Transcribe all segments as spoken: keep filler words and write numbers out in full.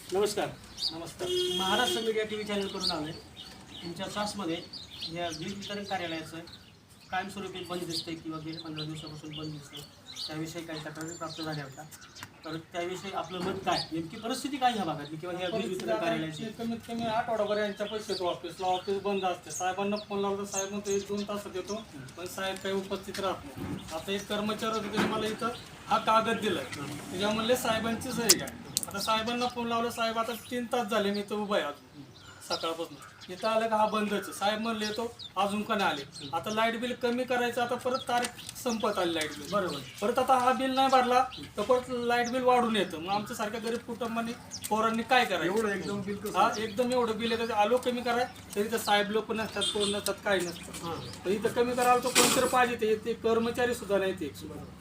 नमस्कार. नमस्कार. Maharashtra media T V चॅनलकडून आलो आहे. तुमच्या सासमध्ये या वीज वितरण कार्यालयाचं कायमस्वरूपी बंद दिसतंय किंवा गेल्या पंधरा दिवसापासून बंद दिसतंय, त्याविषयी काही तक्रारी प्राप्त झाल्या होत्या. तर त्याविषयी आपलं मत काय, नेमकी परिस्थिती काय ह्या भागातली किंवा ह्या वीज वितरण कार्यालयाची? कमीत कमी आठवडाभर यांच्या पैसे येतो ऑफिसला, ऑफिस बंद असते. साहेबांना फोन लावला तर साहेब म्हणतो एक दोन तासात येतो, पण साहेब काही उपस्थित राहत नाही. आता एक कर्मचारी होते त्याने मला इथं हा कागद दिलाय, त्याच्या म्हणले साहेबांची सही काय. आता साहेबांना फोन लावला, साहेब आता तीन तास झाले मी इथं उभा आहे अजून सकाळपासून. इथं आलं का हा बंदच. साहेब म्हणले येतो, अजून का नाही आले. आता लाईट बिल कमी करायचं, आता परत तारीख संपत आली लाईट बिल. बरोबर. परत आता हा बिल नाही भरला तर परत लाईट बिल वाढून येतं. मग आमच्या सारख्या गरीब कुटुंबांनी पोरांनी काय करायचं. एवढं एकदम बिल हा एकदम एवढं बिल येतं. आलो कमी कराय तरी तर साहेब लोक नसतात, कोण नसतात, काही नसतं. पण इथं कमी करायला तर कोणतरी पाहिजे. ते कर्मचारी सुद्धा नाही ते.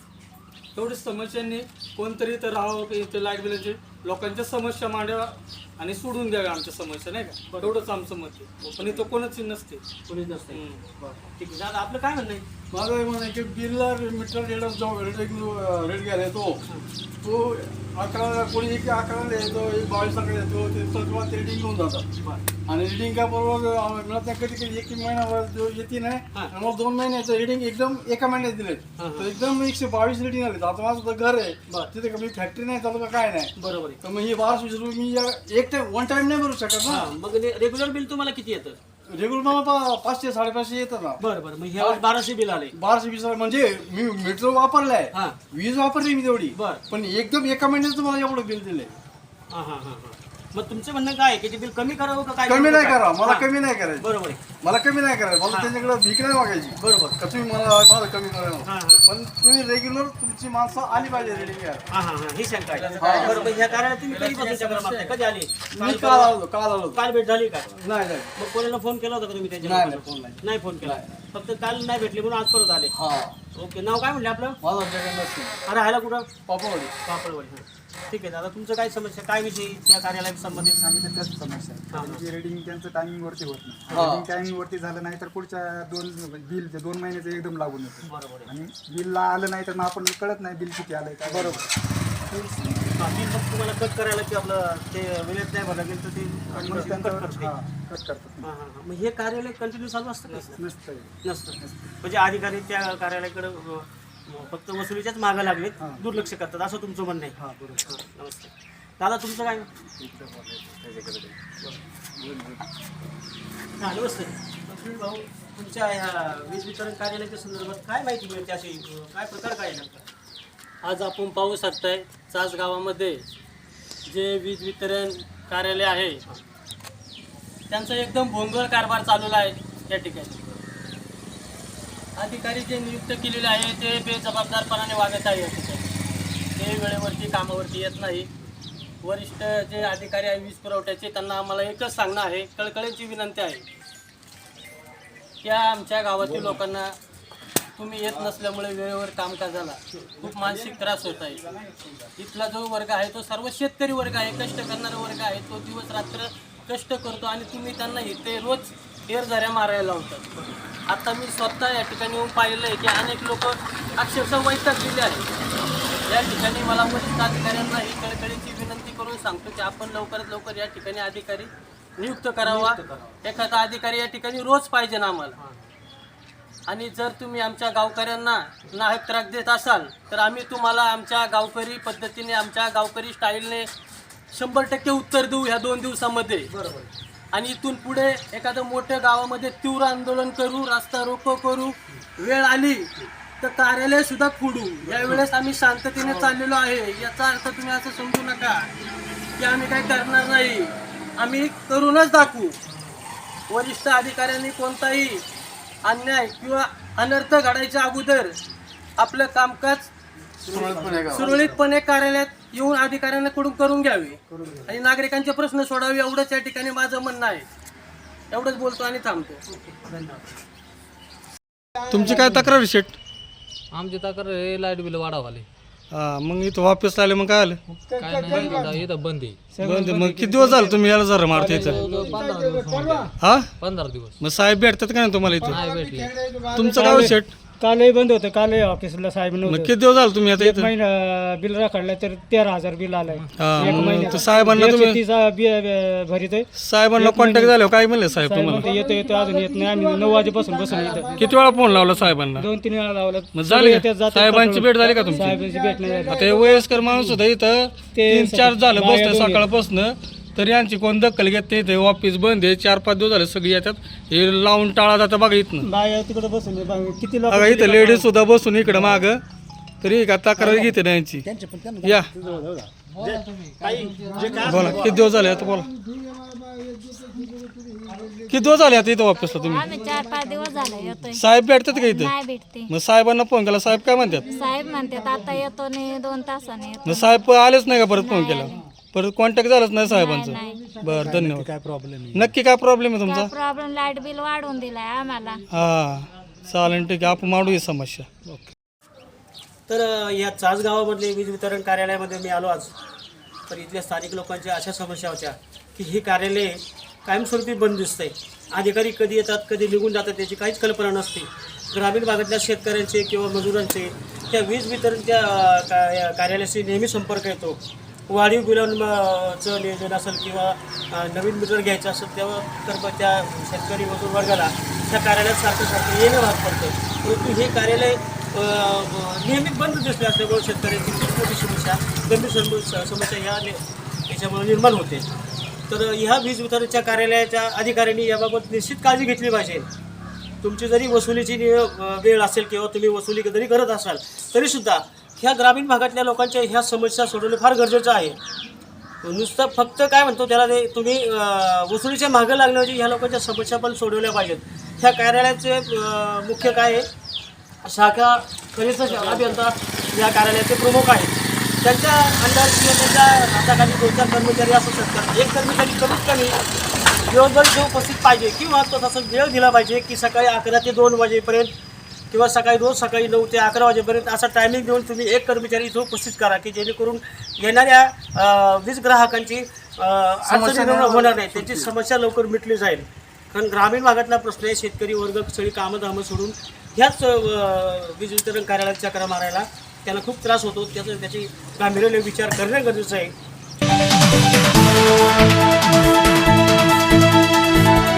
तेवढी समस्यांनी कोणतरी इथं राहावं, इथं लाईट बिलाची लोकांच्या समस्या मांडाव्या आणि सोडून द्याव्या आमच्या समस्या, नाही का. एवढंच आमचं मत आहे. पण इथं कोणच नसते, कोणीच नसते. ठीक आहे दादा, आपलं काय म्हणणं आहे? माझं हे म्हणणं आहे की बिलला मीटर रेट जो रेट रेट घ्यायला येतो तो अकरा कोणी एक अकराला येतो, एक बावीसाकडे येतो, ते सर्व ते रिडिंग घेऊन जातात. आणि रिडिंग काय बरोबर मिळत नाही. कधी कधी एक महिना जो येते नाही, मग दोन महिन्याचं रिडिंग एकदम एका महिन्यात दिले तर एकदम एकशे बावीस रिडिंग आले. आता माझं घर आहे तिथे कमी फॅक्टरी नाही चालू का काय नाही. बरोबर. तर मग हे बाराशे वीस रुपये मी एक टाइम वन टाइम नाही भरू शकत ना. मग रेग्युलर बिल तुम्हाला किती येतं? रेग्युलर मला पाचशे साडेपाचशे येतं ना. बरं बरं. मग ह्या बाराशे बिल आले. बाराशे वीस म्हणजे मी मीटर वापरलाय, हा. वीज वापरली मी तेवढी. बर. पण एकदम एका महिन्याचं मला एवढं बिल दिलंय. हा हा हा. मग तुमचं म्हणणं काय आहे की ते बिल कमी करावं का काय? कमी नाही करा, मला कमी नाही करायचं. बरोबर आहे. मला कमी नाही करायचं. मला त्यांच्याकडे भीक नाही मागायची. बरोबर. का तुम्ही मला मला कमी हा करायला. हा पण तुम्ही रेग्युलर तुमची माणसं आली पाहिजे रेडिंग घ्यायला. हा हा हा. ही शंका आहे. बरोबर. ह्या कार्यालयात तुम्ही कधीपासून चक्र मारताय? कधी आली? मी काल आलो काल आलो काल भेट झाली का? नाही नाही मग कोणाला फोन केला होता का तुम्ही त्याच्या? नाही नाही, फोन नाही. नाही फोन केला. फक्त काल नाही भेटली म्हणून आज परत आले. हा. ओके. नाव काय म्हणले आपलं? माझा जगन्नाथ सिंग, अरे राहायला कुठं? पापवाडी. पापडवाडी. ठीक आहे दादा, तुमचं काय समस्या, काय विषयी त्या कार्यालयाशी संबंधित सांगितलं त्याच समस्या आहे. हा. त्यांची रेडिंग त्यांचं टायमिंग वरती होत नाही. हा. रेडिंग टायमिंग वरती झालं नाही तर पुढच्या दोन बिल दोन महिन्याचं एकदम लागून येतं. बरोबर आहे. आणि बिलला आलं नाही तर मग आपण कळत नाही बिल किती आलंय काय. बरोबर. बिल फक्त तुम्हाला कट करायला की आपलं ते वेळेत नाही भरलं गेलं तर ते मग कट त्यांच्यावर करते. हा, कट करतात. हां हां हां. मग हे कार्यालय कंटिन्यू चालू असतं का? नसतं नसतं. म्हणजे अधिकारी त्या कार्यालयाकडे अ, फक्त वसुलीच्याच मागं लागलेत, दुर्लक्ष करतात असं तुमचं म्हणणं आहे? हां बरोबर. नमस्ते दादा, तुमचं काय? हां नमस्ते. सुनील भाऊ, तुमच्या ह्या वीज वितरण कार्यालयाच्या संदर्भात काय माहिती मिळते, अशी काय प्रकार काय आहे? आज आपण पाहू शकताय चास गावामध्ये जे वीज वितरण कार्यालय आहे त्यांचा एकदम भोंगळ कारभार चालवला आहे. या ठिकाणी अधिकारी जे नियुक्त केलेले आहे ते बेजबाबदारपणाने वागत आहे. या ठिकाणी ते वेळेवरती कामावरती येत नाही. वरिष्ठ जे अधिकारी आहे वीज पुरवठ्याचे, त्यांना आम्हाला एकच सांगणं आहे, कळकळीची विनंती आहे, त्या आमच्या गावातील लोकांना तुम्ही येत नसल्यामुळे वेळेवर कामकाजाला खूप मानसिक त्रास होत आहे. इथला जो वर्ग आहे तो सर्व शेतकरी वर्ग आहे, कष्ट करणारा वर्ग आहे. तो दिवस रात्र कष्ट करतो आणि तुम्ही त्यांना इथे रोज एरझऱ्या मारायला लावतात. आता मी स्वतः या ठिकाणी येऊन पाहिलं आहे की अनेक लोक अक्षरशः वैतागलेले आहेत. या ठिकाणी मला वरिष्ठ अधिकाऱ्यांना ही कळकळीची विनंती करून सांगतो की आपण लवकरात लवकर या ठिकाणी अधिकारी नियुक्त करावा. एखादा अधिकारी या ठिकाणी रोज पाहिजे ना आम्हाला. आणि जर तुम्ही आमच्या गावकऱ्यांना नाहक त्रास देत असाल तर आम्ही तुम्हाला आमच्या गावकरी पद्धतीने, आमच्या गावकरी स्टाईलने शंभर टक्के उत्तर देऊ ह्या दोन दिवसामध्ये. बरोबर. आणि इथून पुढे एखादं मोठ्या गावामध्ये तीव्र आंदोलन करू, रस्ता रोको करू, वेळ आली तर कार्यालय सुद्धा फोडू. यावेळेस आम्ही शांततेने चाललेलो आहे. याचा अर्थ तुम्ही असं समजू नका की आम्ही काही करणार नाही. आम्ही करूनच दाखवू. वरिष्ठ अधिकाऱ्यांनी कोणताही अन्याय किंवा अनर्थ घडायच्या अगोदर आपलं कामकाज सुरळीतपणे कार्यालयात येऊन अधिकाऱ्यांकडून करून घ्यावे आणि नागरिकांचे प्रश्न सोडावे, एवढंच या ठिकाणी माझं म्हणणं आहे. एवढंच बोलतो आणि थांबतो. तुमची काय तक्रार शेट? आमची तक्रार हे लाईट बिल वाढावाले. हा, मग इथं ऑफिसला आले मग काय आलं? काय नाही इथं- इथं बंद आहे. बंद. मग किती दिवस झाले तुम्ही याला जरा मारते इथं? पंधरा दिवस होऊन गेले. हा, पंधरा दिवस मग साहेब भेटतात का नाही तुम्हाला इथं? नाही भेटले. तुमचं गाव शेट? कालही बंद होतं, कालही ऑफिसला साहेब मग नव्हतं. किती दिवस झालं तुम्ही आता एक इथं महिना बिल राखडलं तर तेरा हजार बिल आलंय. हा, एक मग महिन्याचं. तर साहेबांना एकशे तुम्ही तीस बी भरितोय. साहेबांना कॉन्टॅक्ट झाल्यावर काय म्हणले साहेब साहेब तुम्हाला? म्हणते येतो येतो अजून येत नाही. आम्ही नऊ वाजेपासून बसून इथं किती वेळा फोन लावला साहेबांना? दोन तीन वेळा लावलं. मग सगळे झाली येतात, का जातात, साहेबांची पटकन. भेट झाली का तुमची? साहेबांची भेट नाही झाली. आता हे वयस्कर माणूस सुद्धा इथं ते तीन चार झालं बाया बसलं दोन सकाळपासून, तरी यांची कोण दखल घेत नाही. ते ऑफिस बंद आहे, चार पाच दिवस झाले सगळी येतात, हे लावून टाळा जातं बघा इथनं. बाया तिकडे बसून आहे. बघा, किती लोक बघा इथं लेडीज सुद्धा बसून इकडं माग, तरी का तक्रार घेते ना यांची. या बोला किती दिवस झाले आता, बोला किती दिवस झाले आता इथं ऑफिसला तुम्ही? आम्ही चार पाच दिवस झाले येतोय. साहेब भेटतात का इथं? नाही भेटते. मग साहेबांना फोन केला, साहेब काय म्हणतात? साहेब म्हणतात आता येतो नाही, दोन तासाने येतो. मग साहेब आलेच नाही का परत फोन केला? परत कॉन्टॅक्ट झालाच नाही साहेबांचं? बरं धन्यवाद. काय प्रॉब्लेम नक्की काय प्रॉब्लेम आहे तुमचा? प्रॉब्लेम लाईट बिल वाढवून दिलाय आम्हाला. हा चालेल ठीक आहे, आपण मांडू ही समस्या. तर अ, या चास गावामधले वीज वितरण कार्यालयामध्ये मी आलो आज. तर इथल्या स्थानिक लोकांच्या अशा समस्या होत्या की हे कार्यालय कायमस्वरूपी बंद दिसतंय. अधिकारी कधी येतात कधी निघून जातात याची काहीच कल्पना नसते. ग्रामीण भागातल्या शेतकऱ्यांचे किंवा मजुरांचे त्या वीज वितरणच्या अ, का- या कार्यालयाशी नेहमी संपर्क येतो. वाढीव बिलांचं नियोजन असेल किंवा अ, नवीन मीटर घ्यायचं असेल तेव्हा तर त्या शेतकरी मजूर वर्गाला त्या कार्यालयात सारखं सारखं येणं भाग पडतं. परंतु हे कार्यालय अ, नेहमी बंद दिसले असल्यामुळे शेतकऱ्यांची खूप मोठी समस्या गंभीर सम- समस्या ह्या ने- याच्यामुळे निर्माण होते. तर ह्या वीज वितरणच्या कार्यालयाच्या अधिकाऱ्यांनी याबाबत निश्चित काळजी घेतली पाहिजे. तुमची जरी वसुलीची नि- अ, वेळ असेल किंवा तुम्ही वसुली जरी करत असाल तरीसुद्धा ह्या ग्रामीण भागातल्या लोकांच्या ह्या समस्या सोडवणं फार गरजेचं आहे. नुसतं फक्त काय म्हणतो त्याला ते तुम्ही अ, वसुलीच्या मागं लागण्याऐवजी ह्या लोकांच्या समस्या पण सोडवल्या पाहिजेत. ह्या कार्यालयाचे अ, मुख्य काय आहे, शाखा कनिष्ठ अभियंता या कार्यालयाचे प्रमुख आहेत. त्यांच्या अंडर किंवा त्यांच्या हाताखाली दोन चार कर्मचारी असू शकतात. एक कर्मचारी कमीत कमी दिवसभर इथे उपस्थित पाहिजे किंवा तो तसा वेळ दिला पाहिजे की सकाळी अकरा ते दोन वाजेपर्यंत किंवा सकाळी रोज सकाळी नऊ ते अकरा वाजेपर्यंत असा टायमिंग देऊन तुम्ही एक कर्मचारी इथं उपस्थित करा की जेणेकरून येणाऱ्या अ, वीज ग्राहकांची अ, अडचणी निर्माण होणार नाही, त्यांची समस्या लवकर मिटली जाईल. कारण ग्रामीण भागातला प्रश्न आहे, शेतकरी वर्ग सगळी कामं धामं सोडून ह्याच अ, वीज वितरण कार्यालयात चक्रा मारायला त्यांना खूप त्रास होतो. त्याचं त्याची गांभीर्याने विचार करणे गरजेचं आहे.